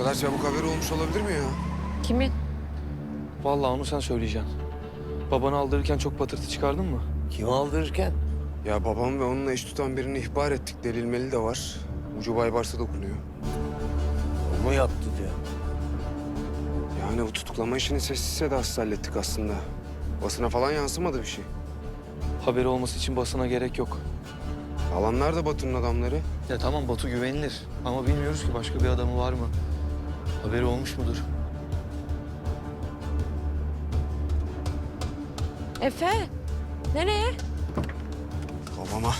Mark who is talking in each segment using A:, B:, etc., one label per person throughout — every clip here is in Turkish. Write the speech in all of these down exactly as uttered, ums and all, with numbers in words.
A: kadar çabuk haberi olmuş olabilir mi ya?
B: Kimin?
C: Vallahi onu sen söyleyeceksin. Babanı aldırırken çok patırtı çıkardın mı?
D: Kim aldırırken?
A: Ya babam ve onunla eş tutan birini ihbar ettik. Delilmeli de var. Ucu Baybars'a dokunuyor.
D: O mu yaptı diyor.
A: Yani bu tutuklama işini sessiz sedasız hallettik aslında. Basına falan yansımadı bir şey.
C: Haberi olması için basına gerek yok.
A: Alanlar da Batu'nun adamları.
C: Ya tamam Batu güvenilir ama bilmiyoruz ki başka bir adamı var mı? Haberi olmuş mudur?
B: Efe, nereye?
A: Babama.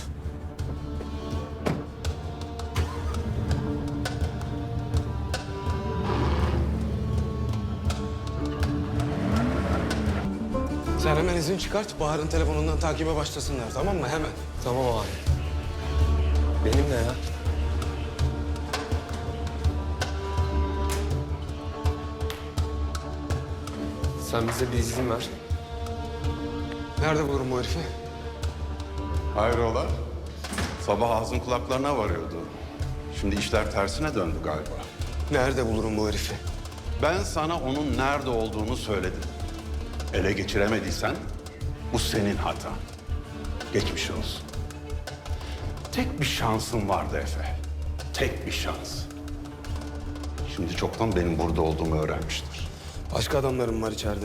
A: Sen hemen izin çıkart. Bahar'ın telefonundan takibe başlasınlar, tamam mı? Hemen.
C: Tamam abi. Benimle ya.
E: Sen bize bir izin ver.
A: Nerede bulurum bu herifi?
F: Hayrola? Sabah ağzın kulaklarına varıyordu. Şimdi işler tersine döndü galiba.
A: Nerede bulurum bu herifi?
F: Ben sana onun nerede olduğunu söyledim. Ele geçiremediysen bu senin hatan. Geçmiş olsun. Tek bir şansın vardı Efe. Tek bir şans. Şimdi çoktan benim burada olduğumu öğrenmiştir.
A: Başka adamlarım var içeride.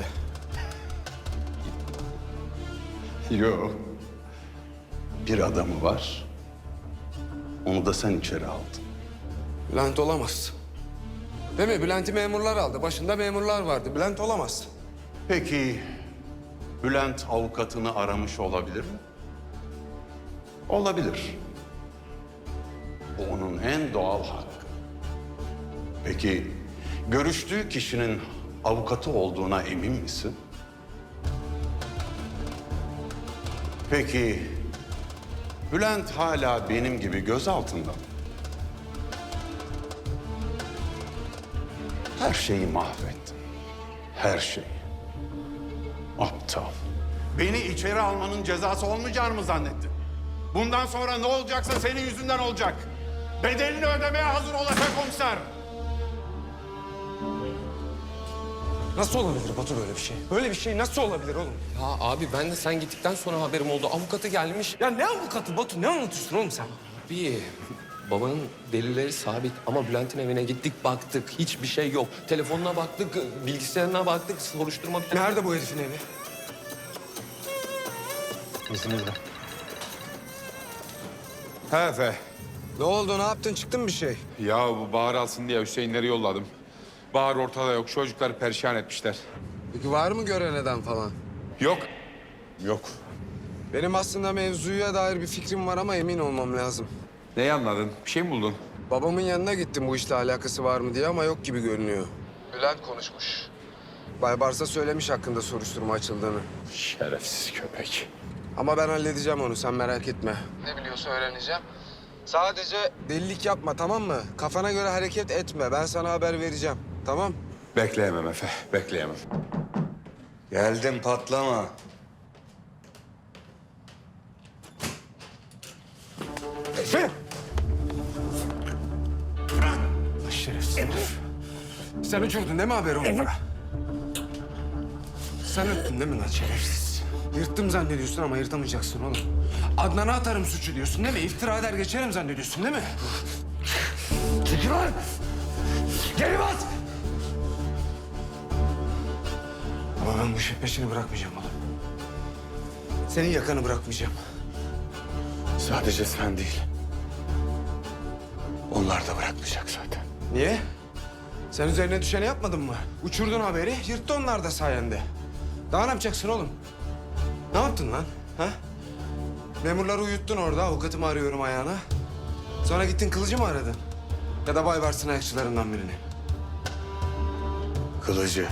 F: Yok. Bir adamı var. Onu da sen içeri aldın.
A: Bülent olamaz. Değil mi? Bülent'i memurlar aldı. Başında memurlar vardı. Bülent olamaz.
F: Peki Bülent avukatını aramış olabilir mi? Olabilir. Bu onun en doğal hakkı. Peki görüştüğü kişinin avukatı olduğuna emin misin? Peki Bülent hala benim gibi gözaltında mı? Her şeyi mahvettin. Her şeyi. Aptal. Beni içeri almanın cezası olmayacağını mı zannettin? Bundan sonra ne olacaksa senin yüzünden olacak. Bedelini ödemeye hazır olacak komiser.
A: Nasıl olabilir Batu böyle bir şey? Böyle bir şey nasıl olabilir oğlum?
E: Ya abi ben de sen gittikten sonra haberim oldu. Avukatı gelmiş.
A: Ya ne avukatı Batu? Ne anlatıyorsun oğlum sen?
E: Bir babanın delilleri sabit ama Bülent'in evine gittik baktık. Hiçbir şey yok. Telefonuna baktık, bilgisayarına baktık, soruşturma...
A: Nerede bu herifin evi?
C: İzninizle.
G: He Efe.
A: Ne oldu? Ne yaptın? Çıktı mı bir şey?
G: Ya bu Bahar alsın diye Hüseyinleri yolladım. Bahar ortada yok. Çocuklar perişan etmişler.
A: Peki var mı gören eden falan?
G: Yok. Yok.
A: Benim aslında mevzuya dair bir fikrim var ama emin olmam lazım.
G: Neyi anladın? Bir şey mi buldun?
A: Babamın yanına gittim bu işle alakası var mı diye ama yok gibi görünüyor. Bülent konuşmuş. Baybars'a söylemiş hakkında soruşturma açıldığını.
G: Şerefsiz köpek.
A: Ama ben halledeceğim onu, sen merak etme. Ne biliyorsa öğreneceğim. Sadece delilik yapma, tamam mı? Kafana göre hareket etme. Ben sana haber vereceğim, tamam?
G: Bekleyemem Efe. Bekleyemem.
D: Geldim patlama.
A: Efe! Şerefsiz herif. Sen uçurdun değil mi haberi onlara? Sen öttün değil mi lan şerefsiz? Yırttım zannediyorsun ama yırtamayacaksın oğlum. Adnan'a atarım suçu diyorsun değil mi? İftira eder geçerim zannediyorsun değil mi? Çekil lan! Geri bas! Ama ben bu işin peşini bırakmayacağım oğlum. Senin yakanı bırakmayacağım.
F: Sadece sen değil. Onlar da bırakmayacak zaten.
A: Niye? Sen üzerine düşeni yapmadın mı? Uçurdun haberi, yırttı onlar da sayende. Daha ne yapacaksın oğlum? Ne yaptın lan? Ha? Memurları uyuttun orada, avukatımı arıyorum ayağına. Sonra gittin kılıcı mı aradın? Ya da Baybars'ın ayakçılarından birini.
F: Kılıcı.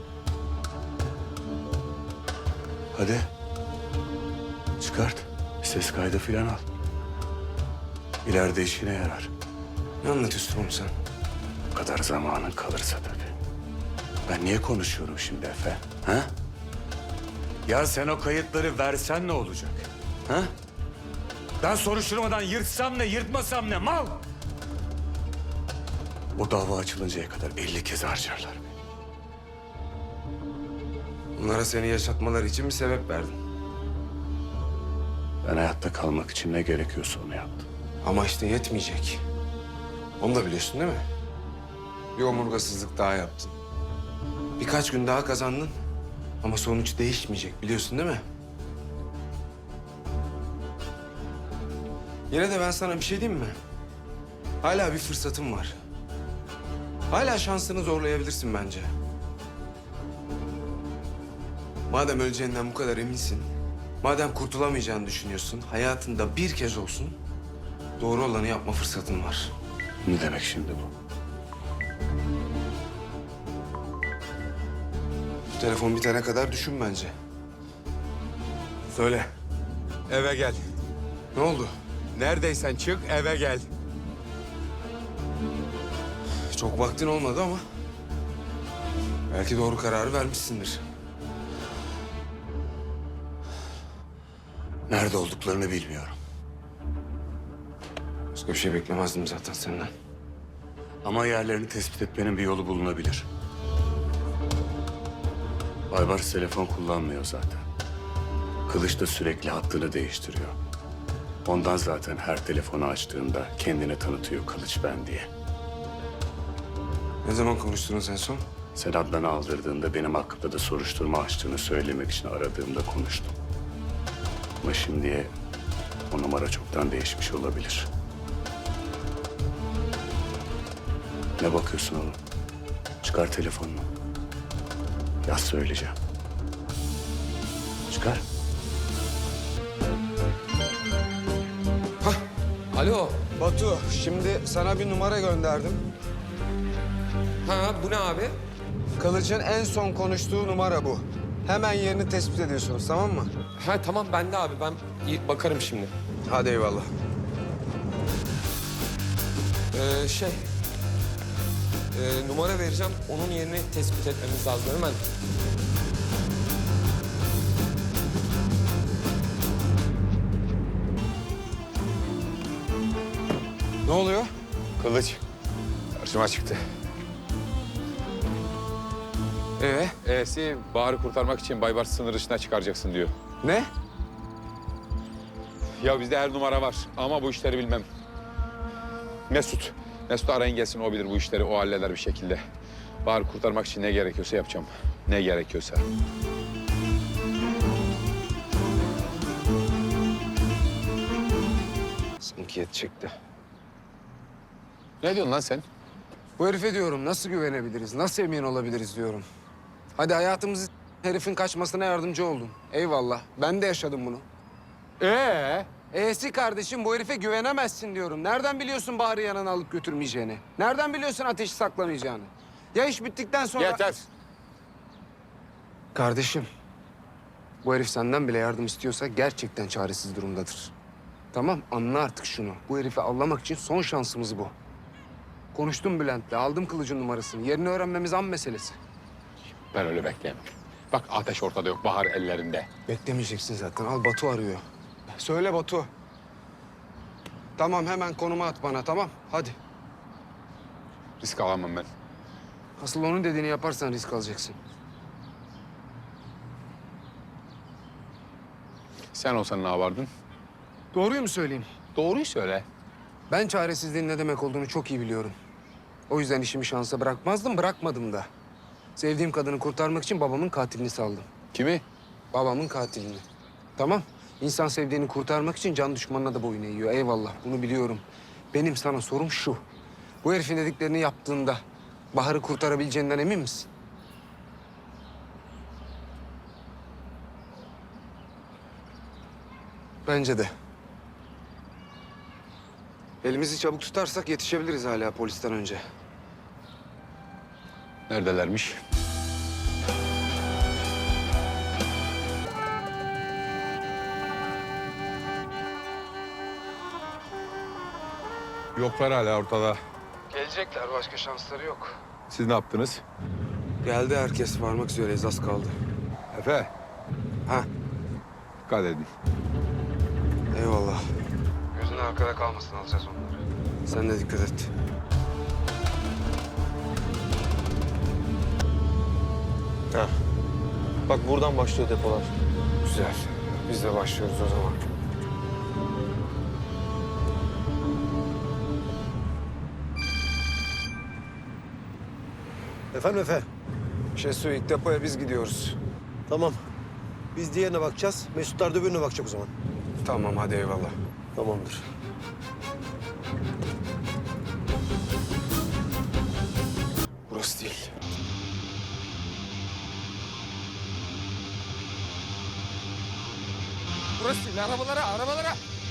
F: Hadi. Çıkart. Bir ses kaydı falan al. İleride işine yarar.
A: Ne anlatıyorsun oğlum sen?
F: Bu kadar zamanın kalırsa tabii. Ben niye konuşuyorum şimdi Efe? Ha? Ya sen o kayıtları versen ne olacak? Ha? Ben soruşturmadan yırtsam ne, yırtmasam ne? Mal!
D: O dava açılıncaya kadar elli kez harcarlar beni.
A: Bunlara seni yaşatmaları için bir sebep verdin.
D: Ben hayatta kalmak için ne gerekiyorsa onu yaptım.
A: Ama işte yetmeyecek. Onu da biliyorsun değil mi? Bir omurgasızlık daha yaptın. Birkaç gün daha kazandın. Ama sonuç değişmeyecek biliyorsun değil mi? Yine de ben sana bir şey diyeyim mi? Hala bir fırsatın var. Hala şansını zorlayabilirsin bence. Madem öleceğinden bu kadar eminsin, madem kurtulamayacağını düşünüyorsun, hayatında bir kez olsun doğru olanı yapma fırsatın var.
D: Ne demek şimdi bu?
A: Bu telefon bitene kadar düşün bence. Söyle.
H: Eve gel.
A: Ne oldu?
H: Neredeysen çık, eve gel.
A: Çok vaktin olmadı ama belki doğru kararı vermişsindir.
D: Nerede olduklarını bilmiyorum.
A: Başka bir şey beklemezdim zaten senden.
D: Ama yerlerini tespit etmenin bir yolu bulunabilir. Baybars telefon kullanmıyor zaten. Kılıç da sürekli hattını değiştiriyor. Ondan zaten her telefonu açtığında kendini tanıtıyor Kılıç ben diye.
A: Ne zaman konuştunuz en son?
D: Sen Adnan'ı aldırdığında benim hakkımda da soruşturma açtığını söylemek için aradığımda konuştum. Ama şimdiye o numara çoktan değişmiş olabilir. Ne bakıyorsun oğlum? Çıkar telefonunu. Yaz söyleyeceğim. Çıkar.
E: Alo.
A: Batu, şimdi sana bir numara gönderdim.
E: Ha bu ne abi?
A: Kılıç'ın en son konuştuğu numara bu. Hemen yerini tespit ediyorsunuz, tamam mı?
E: Ha tamam bende abi ben iyi bakarım şimdi.
A: Hadi eyvallah.
E: Ee, şey... ee, numara vereceğim. Onun yerini tespit etmemiz lazım hemen.
A: Ne oluyor?
G: Kılıç karşıma çıktı.
A: Ee,
G: E'si Bahar'ı kurtarmak için Baybars sınır dışına çıkaracaksın diyor.
A: ne?
G: Ya bizde her numara var ama bu işleri bilmem. Mesut. Mesut arayın gelsin, o bilir bu işleri, o halleder bir şekilde. Bahar'ı kurtarmak için ne gerekiyorsa yapacağım. Ne gerekiyorsa.
A: Sanki yetecekti.
G: Ne diyorsun lan sen?
A: Bu herife diyorum nasıl güvenebiliriz, nasıl emin olabiliriz diyorum. Hadi hayatımızı herifin kaçmasına yardımcı oldun. Eyvallah, ben de yaşadım bunu.
G: Ee?
A: E'si kardeşim bu herife güvenemezsin diyorum. Nereden biliyorsun Bahar'ı yanına alıp götürmeyeceğini? Nereden biliyorsun ateşi saklamayacağını? Ya iş bittikten sonra...
G: Yeter.
A: Kardeşim, bu herif senden bile yardım istiyorsa gerçekten çaresiz durumdadır. Tamam, anla artık şunu. Bu herifi avlamak için son şansımız bu. Konuştum Bülent'le, aldım Kılıç'ın numarasını. Yerini öğrenmemiz an meselesi.
G: Ben öyle bekleyemem. Bak ateş ortada yok, Bahar ellerinde.
A: Beklemeyeceksin zaten. Al Batu arıyor. Söyle Batu. Tamam hemen konuma at bana tamam. Hadi.
G: Risk alamam ben.
A: Asıl onun dediğini yaparsan risk alacaksın.
G: Sen olsan ne yapardın?
A: Doğruyu mu söyleyeyim?
G: Doğruyu söyle.
A: Ben çaresizliğin ne demek olduğunu çok iyi biliyorum. O yüzden işimi şansa bırakmazdım, bırakmadım da. Sevdiğim kadını kurtarmak için babamın katilini saldım.
G: Kimi?
A: Babamın katilini. Tamam. İnsan sevdiğini kurtarmak için can düşmanına da boyun eğiyor. Eyvallah, bunu biliyorum. Benim sana sorum şu. Bu herifin dediklerini yaptığında Bahar'ı kurtarabileceğinden emin misin? Bence de. Elimizi çabuk tutarsak yetişebiliriz hala polisten önce.
G: Neredelermiş? Yoklar hala ortada.
A: Gelecekler, başka şansları yok.
G: Siz ne yaptınız?
A: Geldi herkes, varmak üzereyiz, az kaldı.
G: Efe,
A: Ha,
G: dikkat edin.
A: eyvallah. Gözün arkada kalmasın, alacağız onları. Sen de dikkat et.
C: Bak buradan başlıyor depolar.
A: Güzel. Biz de başlıyoruz o zaman.
I: Efendim Efe?
A: Şesu ilk depoya biz gidiyoruz.
I: Tamam. Biz diğerine bakacağız. Mesutlar da öbürüne bakacak o zaman.
A: Tamam hadi eyvallah.
I: Tamamdır.
A: Burası değil.
H: Burası değil. Arabalara, arabalara.